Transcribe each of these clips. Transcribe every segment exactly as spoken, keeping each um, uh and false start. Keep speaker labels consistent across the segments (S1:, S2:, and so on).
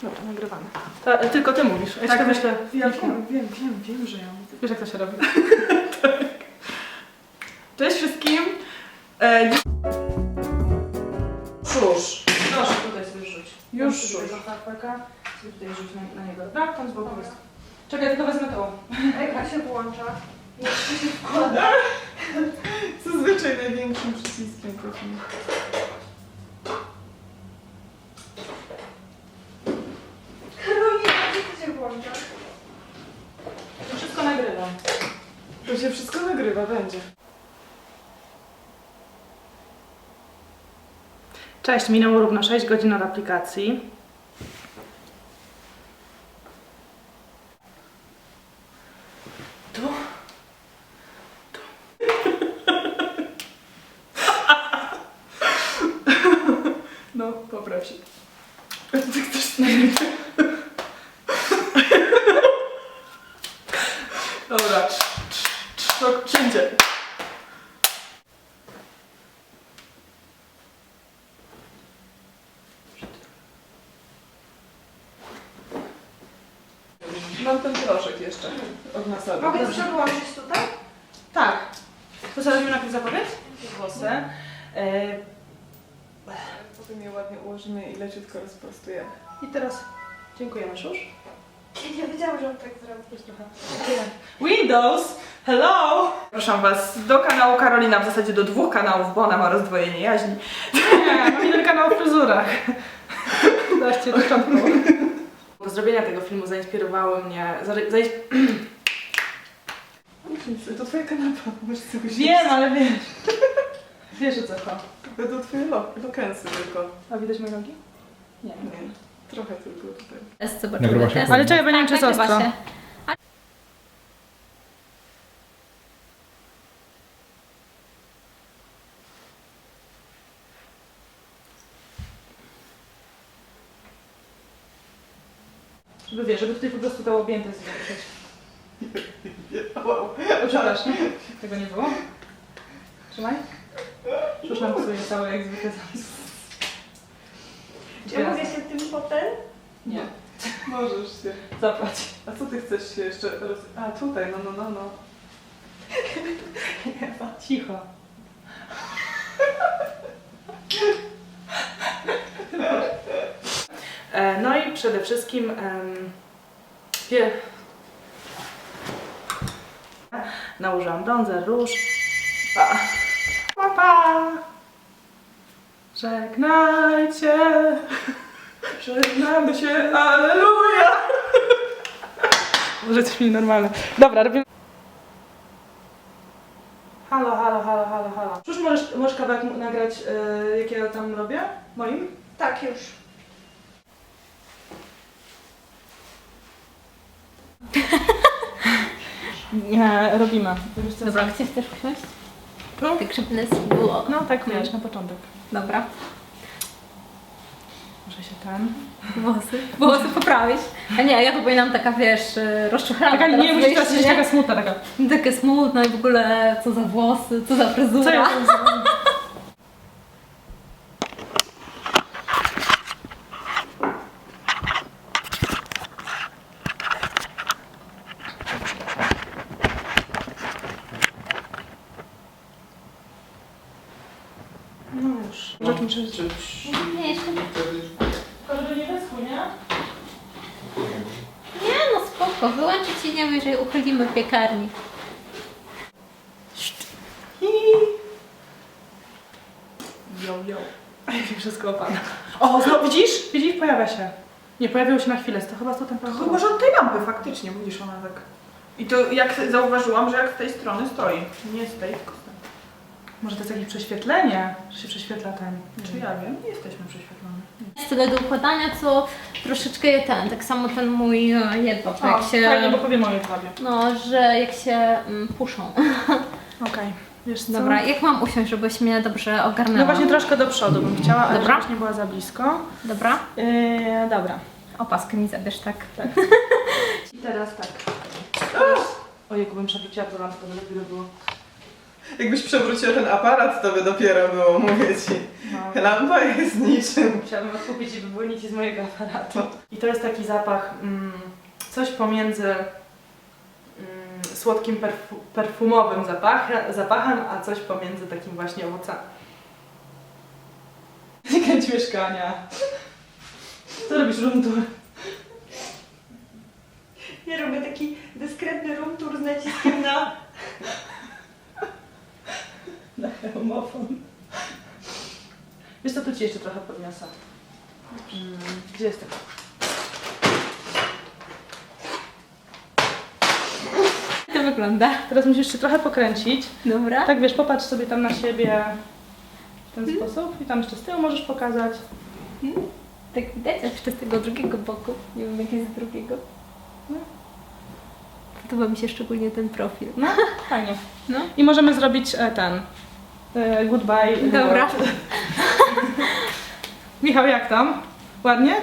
S1: Dobra, nagrywamy. Ta, tylko ty mówisz, a ja
S2: Tak,
S1: tak, myślę.
S2: Ja wiem, wiem, wiem, wiem, że ja mówię.
S1: Wiesz jak to się robi?
S2: Tak. Cześć wszystkim. E, Cóż, proszę tutaj sobie rzuć.
S1: Już
S2: Rzuć.
S1: rzuć.
S2: Tego harpaka, sobie tutaj rzuć na, na niego. Dobra, tam z boku jest. Czekaj, tylko wezmę to.
S3: Jak się włącza? Jeszcze się wkłada.
S2: Zazwyczaj największym przyciskiem prosimy.
S3: Karolina, gdzie to się włącza?
S2: To wszystko nagrywam.
S1: To się wszystko nagrywa, będzie. Cześć, minęło równo sześć godzin od aplikacji. Tu. Tu.
S2: No, popraw się. A ty chcesz nagrać? Dobra. To wszędzie. Mam ten proszek jeszcze od nasady.
S3: Mogę przełączyć tutaj?
S1: Tak. To sobie robimy najpierw zapowiedź? Włosy. E,
S2: Potem je ładnie ułożymy i leciutko rozprostujemy.
S1: I teraz dziękujemy, Szusz.
S3: Ja nie wiedziałam, że on tak zrobi.
S1: Jest trochę. Windows! Hello! Zapraszam Was do kanału Karolina, w zasadzie do dwóch kanałów, bo ona ma rozdwojenie jaźni. Nie, mam jeden kanał o fryzurach. Daście początku. Do zrobienia tego filmu zainspirowały mnie... Zain...
S2: To twoja kanapa, możesz sobie
S1: Wiem, ale wiesz. Wiesz o co chodzi.
S2: To twoje lokensy tylko.
S1: A widać moje nogi? Nie.
S2: Nie, trochę tylko tutaj.
S4: Test, zobaczymy.
S5: Nagrywa się?
S4: Test.
S1: Ale czekaj, bo nie wiem, czy jest
S4: nagrywa
S1: ostro.
S4: się.
S1: Żeby wiesz, żeby tutaj po prostu to objęte zobaczyć.
S2: Wow.
S1: O, przepraszam. Tego nie było? Trzymaj. Już nam psuje całe jak zwykle zamysł.
S3: Czy ja mogę się tym potem?
S1: Nie.
S2: Możesz się.
S1: Zapłać.
S2: A co ty chcesz się jeszcze roz... A tutaj, no, no, no, no.
S1: Cicho. E, No i przede wszystkim em, pie... nałożyłam bronzer, róż. Pa. Pa, pa. Żegnajcie. Żegnamy się, alleluja. Może coś mi normalne. Dobra, robimy. Halo, halo, halo, halo, halo. Już możesz, możesz kawałek m- nagrać, yy, jak ja tam robię? Moim?
S3: Tak, już.
S1: Nie, robimy.
S4: Dobra, gdzie chcesz usiąść?
S1: Tu?
S4: Tak, żeby nas było.
S1: No tak, wiesz, na początek.
S4: Dobra.
S1: Może się ten...
S4: Włosy. Włosy poprawić. A nie, ja to powinnam taka, wiesz, y, rozczochrana.
S1: Taka,
S4: teraz
S1: nie, musisz teraz
S4: wyjść,
S1: być taka smutna, taka...
S4: Takie smutne i w ogóle co za włosy, co za fryzura.
S1: Co ja tam zrobię? No już. Rzecz muszę...
S4: Nie, jeszcze nie.
S1: Tylko żeby nie wyschło, nie?
S4: Nie, no spoko. Wyłączyć się nie wiem, jeżeli uchylimy piekarnik.
S1: Jo, jo. Wszystko opada. O, znowu widzisz? Widzisz? Pojawia się. Nie, pojawiło się na chwilę. To chyba to ten
S2: To chyba, że od tej lampy faktycznie, widzisz, ona tak... I to jak zauważyłam, że jak z tej strony stoi. Nie z tej, tylko z tej.
S1: Może to jest jakieś prześwietlenie, że się prześwietla ten.
S2: Czy ja wiem? Nie jesteśmy prześwietlone.
S4: Jest tyle do układania, co troszeczkę je ten, tak samo ten mój e, jedwab,
S1: O,
S4: jak się...
S1: fajnie, bo powiem o jedwabie.
S4: No, że jak się mm, puszą.
S1: Okej, wiesz co?
S4: Dobra, jak mam usiąść, żebyś mnie dobrze ogarnęła?
S1: No właśnie troszkę do przodu bym chciała, ale
S4: Dobra.
S1: żebyś nie była za blisko.
S4: Dobra?
S1: Yy, dobra.
S4: Opaskę mi zabierz, tak?
S1: Tak. I teraz tak. Teraz... Ojej, bym przewróciła to lampkę, to lepiej by było.
S2: Jakbyś przewróciła ten aparat, to by dopiero było, mówię ci.
S1: No.
S2: Lampa jest niczym.
S1: Musiałabym odkupić i wyłonić z mojego aparatu. I to jest taki zapach, mm, coś pomiędzy mm, słodkim perfu perfumowym zapachem, zapachem, a coś pomiędzy takim właśnie owocami. Kręć mieszkania. Co robisz, room tour?
S3: Ja robię taki dyskretny room tour z naciskiem na...
S1: Na homofon. Wiesz co, tu ci jeszcze trochę podniosę. Mm, gdzie jest tego?
S4: Jak to wygląda?
S1: Teraz musisz jeszcze trochę pokręcić.
S4: Dobra.
S1: Tak wiesz, popatrz sobie tam na siebie w ten sposób i tam jeszcze z tyłu możesz pokazać.
S4: Tak widać, a jeszcze z tego drugiego boku. Nie wiem, jak jest z drugiego.
S1: No.
S4: Podoba mi się szczególnie ten profil.
S1: No, fajnie.
S4: No.
S1: I możemy zrobić e, ten e, goodbye.
S4: Dobra.
S1: reward. Michał, jak tam? Ładnie?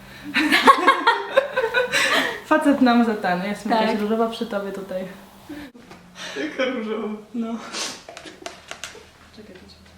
S1: Facet nam za ten. Jestem
S4: Tak.
S1: jakaś różowa przy tobie tutaj.
S2: Jaka różowa.
S1: No. Czekaj, to ci-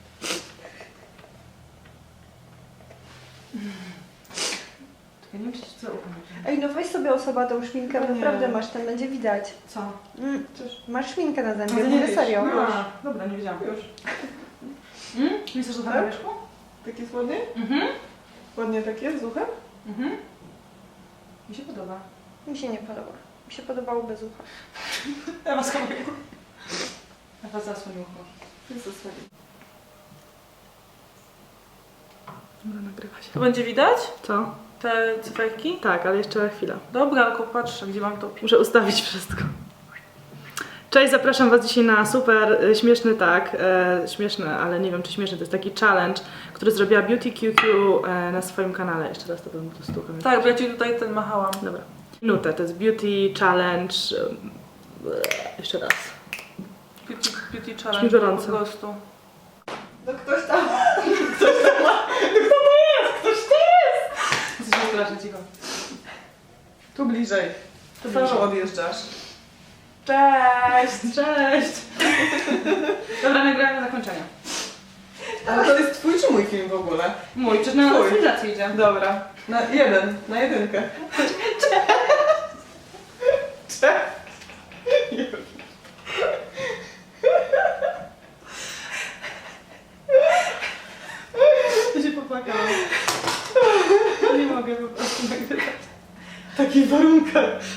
S1: Czekaj, nie wiem, czy ci co upomnieć.
S3: Ej, no weź sobie osoba tą szminkę,
S1: No nie.
S3: naprawdę masz, ten będzie widać.
S1: Co?
S3: Mm,
S1: Cóż.
S3: masz szminkę na zębie,
S1: Ale nie
S3: mówię
S1: wiesz.
S3: serio.
S1: A, dobra, nie wiedziałam. Już. Mm? Myślisz, że to
S2: Tak?
S1: na wierzchu?
S2: Tak jest ładnie?
S1: Mhm.
S2: Ładnie tak jest z uchem?
S1: Mhm. Mi się podoba.
S3: Mi się nie podoba. Mi się podobało bez ucha.
S1: Ewa schowaj. Ewa zasłoń ucho.
S2: Jest
S1: Dobra, nagrywa się.
S2: To będzie widać?
S1: Co?
S2: Te cyferki?
S1: Tak, ale jeszcze chwila.
S2: Dobra, tylko patrzę, gdzie mam to.
S1: Muszę ustawić wszystko. Cześć, zapraszam Was dzisiaj na super e, śmieszny, tak, e, śmieszny, ale nie wiem czy śmieszny, to jest taki challenge, który zrobiła Beauty Q Q e, na swoim kanale. Jeszcze raz to bym tu stukam.
S2: Tak, bo ja ci tutaj ten machałam.
S1: Dobra. Minutę, to jest Beauty Challenge. e, Jeszcze raz.
S2: Beauty, beauty
S1: mi
S2: challenge
S1: gorąco.
S2: po prostu.
S3: No ktoś tam...
S1: Jesteś strasznie cicho.
S2: Tu bliżej. To
S1: bliżej.
S2: samo odjeżdżasz.
S1: Cześć! Cześć! Dobra, nagramy zakończenie.
S2: Ale to jest twój czy mój film w ogóle?
S1: Mój, przecież na
S2: Twój.
S1: stylizację idzie.
S2: Dobra. Na jeden, na jedynkę. Cześć! Już.
S1: Ja się popłakałam. Nie mogę po prostu nagrywać.
S2: W takich warunkach.